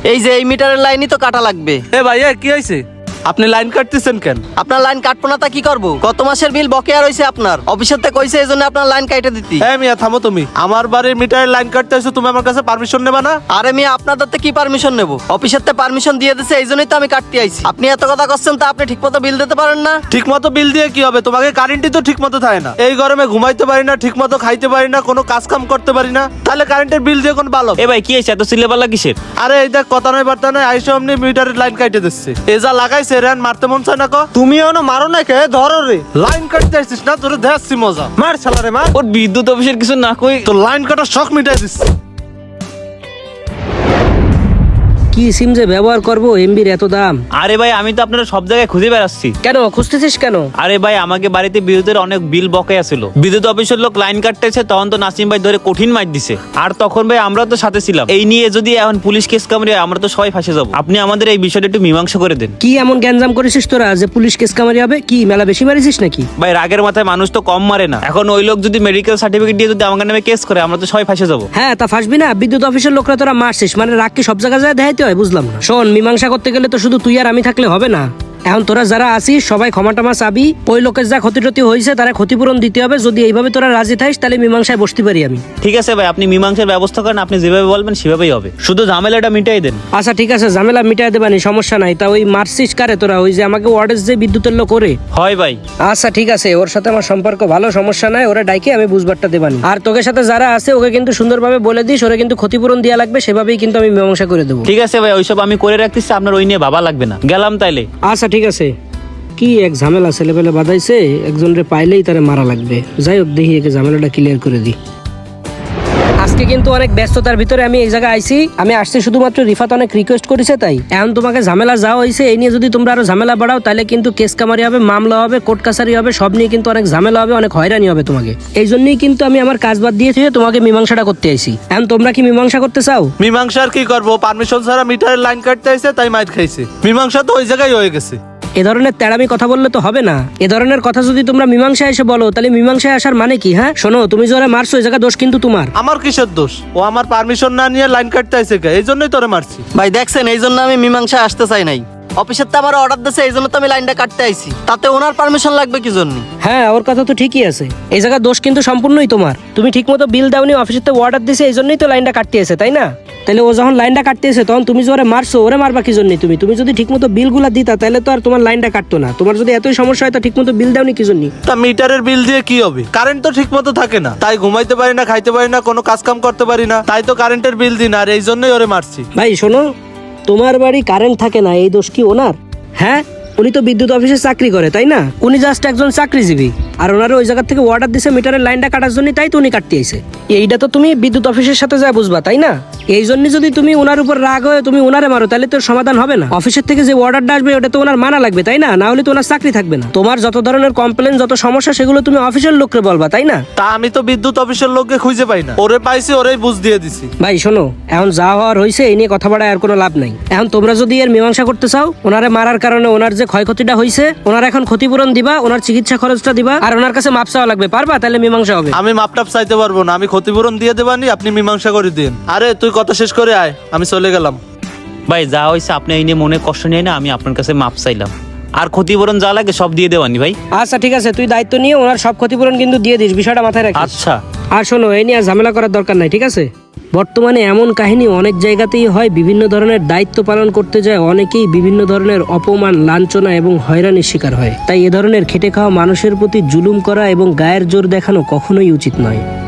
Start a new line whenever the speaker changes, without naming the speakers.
এই যে এই মিটারের লাইনই তো কাটা লাগবে।
এ ভাই কি হয়েছে? আপনি লাইন কাটতেছেন কেন?
আপনার লাইন কাটবো না তা কি করবো? গত মাসের বিল বকেয়া রয়েছে আপনার, অফিসের থেকে কইছে এই জন্য আপনার লাইন কাটে দিতি।
হ্যাঁ মিয়া থামো তুমি। আমার বাড়ির মিটারের লাইন কাটতে এসে তুমি আমার কাছে পারমিশন নেবা না?
আরে মিয়া আপনাদের থেকে কি পারমিশন নেবো? অফিসের থেকে পারমিশন দিয়ে দিছে, এই জন্যই তো আমি কাটতে আইছি। আপনি এত কথা করছেন তা আপনি ঠিক মতো বিল দিতে পারেন না?
ঠিক মতো বিল দিয়ে কি হবে? তোমাকে কারেন্টই তো ঠিক মতো থাকে না। এই গরমে ঘুমাইতে পারি না, ঠিক মতো খাইতে পারি না, কোনো কাজ কাম করতে পারি না, তাহলে কারেন্টের বিল দিয়ে কোন ভালো?
এ ভাই কি হয়েছে? এত সিলেবালা কিসের?
আরে এই দেখ কথা নয় বার্তা নয়, আইসো অমনি মিটারের লাইন কাটে দিচ্ছে। এ যা লাগাইছে রেন মারতে মন চায় না কো?
তুমি এখনো মারো না কে? ধরো রে।
লাইন কাটতে আসছিস না, তোরে দেখছি মজা।
মার শালারে মার।
ওর বিদ্যুৎ অফিসের কিছু না কই
তো লাইন কাটার শখ মিটাই দিচ্ছে।
কি সিম যে ব্যবহার করবো, এমবির এত দাম?
আরে ভাই আমি তো আপনারা সব জায়গায় খুঁজে বেড়াচ্ছি।
কেন খুঁজতেছিস কেন?
আরে ভাই আমাকে বাড়িতে বিদ্যুতের অনেক বিল বকেয়া ছিল, বিদ্যুৎ অফিসের লোক লাইন কাটতেছে, তখন তো নাসিম ভাই ধরে কঠিন মাইর দিছে। আর তখন ভাই আমরা তো সাথে ছিলাম। এই নিয়ে যদি এখন পুলিশ কেস কামড়ে আমরা তো সবাই ফাঁসে যাবো। আপনি আমাদের এই বিষয়টা একটু মীমাংসা করে দেন।
কি এমন গ্যাঞ্জাম করেছিস তোরা যে পুলিশ কেস কামারি হবে? কি মেলা বেশি মারিছিস নাকি?
ভাই রাগের মাথায় মানুষ তো কম মারে না। এখন ওই লোক যদি মেডিকেল সার্টিফিকেট দিয়ে যদি আমার নামে কেস করে আমরা তো সবাই ফাঁসে যাবো।
হ্যাঁ তা ফাঁসবি না? বিদ্যুৎ অফিসের লোকরা তোরা মারছিস মানে রাগ কি সব জায়গায় যায় দেখাইতে হয়? বুঝলাম না। শোন, মীমাংসা করতে গেলে তো শুধু তুই আর আমি থাকলে হবে না। এখন তোরা যারা আসিস সবাই ক্ষমা টমা চাবি। ওই লোকের যা ক্ষতি টতি হয়েছে তারা ক্ষতিপূরণ দিতে হবে। যদি এইভাবে তোরা রাজি থাকিস তাহলে মীমাংসায় বসতে পারি আমি।
ঠিক আছে ভাই, আপনি মীমাংসার ব্যবস্থা করেন, আপনি যেভাবে বলবেন সেভাবেই হবে, শুধু ঝামেলাটা মিটাই দেন।
আচ্ছা ঠিক আছে, ঝামেলা মিটাই দেবানি, সমস্যা নাই। তা ওই মারছিস কারে তোরা? ওই যে আমাকে ওয়ার্ডের যে বিদ্যুতের লোক করে?
হয় ভাই।
আচ্ছা ঠিক আছে, ওর সাথে আমার সম্পর্ক ভালো, সমস্যা নাই। ওরা ডাইকে আমি বুঝবারটা দেবানি। আর তোকে সাথে যারা আছে ওকে কিন্তু সুন্দরভাবে বলে দিস, ওরা কিন্তু ক্ষতিপূরণ দেওয়া লাগবে, সেভাবেই কিন্তু আমি মীমাংসা করে দেবো।
ঠিক আছে ভাই, ওইসব আমি করে রাখতেছি, আপনার ওই নিয়ে ভাবা লাগবে না। গেলাম তাইলে।
আচ্ছা ঠিক আছে। কি এক ঝামেলা ছেলেপেলে বাঁধাইছে, একজনরে পাইলেই তারে মারা লাগবে। যাই হোক, দেখি একে ঝামেলাটা ক্লিয়ার করে দিই। আজকে কিন্তু অনেক ব্যস্ততার ভিতরে আমি এই জায়গায় আইছি। আমি আসছি শুধুমাত্র রিফাত অনেক রিকোয়েস্ট করেছে তাই। এখন তোমাকে ঝামেলা যাওয়া হয়েছে, এই নিয়ে যদি তোমরা আরো ঝামেলা বাড়াও তাহলে কিন্তু কেস কামারি হবে, মামলা হবে, কোর্ট কাছারি হবে, সব নিয়ে কিন্তু অনেক ঝামেলা হবে, অনেক হয়রানি হবে তোমাকে। এই জন্যই কিন্তু আমি আমার কাজ বাদ দিয়ে তোমাকে মীমাংসাটা করতে আইছি। এখন তোমরা কি মীমাংসা করতে চাও?
মীমাংসা আর কি করবো? পারমিশন ছাড়া মিটারের লাইন কাটতে আইছে তাই মাইর খাইছে। মীমাংসা তো ওই জায়গায় হয়ে গেছে।
এ ধরনের তেড়ামি কথা বললে তো হবে না। এ ধরনের কথা যদি তোমরা মীমাংসায় এসে বলো তাহলে মীমাংসায় আসার মানে কি? হ্যাঁ শোনো, তুমি যারা মারছো এই জায়গা দোষ কিন্তু তোমার।
আমার কিসের দোষ? ও আমার পারমিশন না নিয়ে লাইন কাটতে আইছে কে? এই জন্যই তোরে মারছি।
ভাই দেখছেন, এই জন্য আমি মীমাংসায় আসতে চাই নাই। অফিসের তো আমার অর্ডার দিয়েছে, এই জন্য তো আমি লাইনটা কাটতে আইছি। তাতে ওনার পারমিশন লাগবে কি জন্য?
হ্যাঁ ওর কথা তো ঠিকই আছে। এই জায়গা দোষ কিন্তু সম্পূর্ণই তোমার। তুমি ঠিক মতো বিল দাওনি, অফিসের তো অর্ডার দিছে, এই জন্যই তো লাইনটা কাটতে আছে, তাই না? তাহলে ও যখন লাইনটা কাটতে এসে তখন তুমি যে মারছো, ওরে মারবা কি জন্য? তুমি যদি ঠিক মতো বিলগুলা দিতা তাহলে তো আর তোমার লাইনটা কাটতো না। তোমার যদি এতই সমস্যা হয় তো ঠিক মতো বিল দাওনি কি জন্য?
তা মিটারের বিল দিয়ে কি হবে? কারেন্ট তো ঠিক মতো থাকে না, তাই ঘুমাইতে পারি না, খাইতে পারি না, কোনো কাজ কাম করতে পারি না, তাই তো কারেন্টের বিল দিই না। আর এই জন্যই ওরে মারছি।
ভাই শোনো, তোমার বাড়ি কারেন্ট থাকে না, এই দোষ কি ওনার? হ্যাঁ উনি তো বিদ্যুৎ অফিসে চাকরি করে, তাই না? উনি জাস্ট একজন চাকরিজীবী, আর ওনারা ওই জায়গা থেকে অর্ডার দিছে মিটারের লাইনটা কাটার জন্য, তাই তো উনি কাটতে আইছে। এইটা তো তুমি বিদ্যুৎ অফিসের সাথে যা বুঝবা, তাই না? এই জন্য যদি তুমি ওনার উপর রাগ হয়ে তুমি ওনারে মারো তাহলে তোর সমাধান হবে না। অফিসের থেকে যে অর্ডারটা আসবে ওটা তো ওনার মানা লাগবে, তাই না? না হলে তো ওনার চাকরি থাকবে না। তোমার যত ধরনের কমপ্লেন, যত সমস্যা সেগুলো তুমি অফিসের লোককে বলবা, তাই না?
তা আমি তো বিদ্যুৎ অফিসের লোককে খুঁজে পাই না, ওরে পাইছি, ওরেই বুঝ দিয়ে দিছি।
ভাই শোনো, এখন যা হওয়ার হয়েছে এই নিয়ে কথা বলার আর কোনো লাভ নাই। এখন তোমরা যদি এর মীমাংসা করতে চাও, ওনারে মারার কারণে ওনার যে ক্ষয়ক্ষতিটা হয়েছে ওনার এখন ক্ষতিপূরণ দিবা, ওনার চিকিৎসা খরচটা দিবা, আর ওনার কাছে মাপ চাওয়া লাগবে। পারবা? তাহলে মীমাংসা হবে।
আমি মাপটাপ চাইতে পারবো না, আমি ক্ষতিপূরণ দিয়ে দেবানি, আপনি মীমাংসা করে দিন। আরে তুই কথা শেষ করে আয়, আমি চলে গেলাম।
ভাই যা হয়েছে আপনি এই নিয়ে মনে কষ্ট নিয়ে না, আমি আপনার কাছে মাপ চাইলাম, আর ক্ষতিপূরণ যা লাগে সব দিয়ে দেওয়ানি ভাই।
আচ্ছা ঠিক আছে, তুই দায়িত্ব নিয়ে ওনার সব ক্ষতিপূরণ কিন্তু দিয়ে দিস, বিষয়টা মাথায় রাখিস।
আচ্ছা।
আর শোনো, এই নিয়ে আর ঝামেলা করার দরকার নাই, ঠিক আছে? বর্তমানে এমন কাহিনী অনেক জায়গাতেই হয়, বিভিন্ন ধরনের দায়িত্ব পালন করতে যায় অনেকেই বিভিন্ন ধরনের অপমান, লাঞ্ছনা এবং হয়রানির শিকার হয়। তাই এ ধরনের খেটে খাওয়া মানুষের প্রতি জুলুম করা এবং গায়ের জোর দেখানো কখনোই উচিত নয়।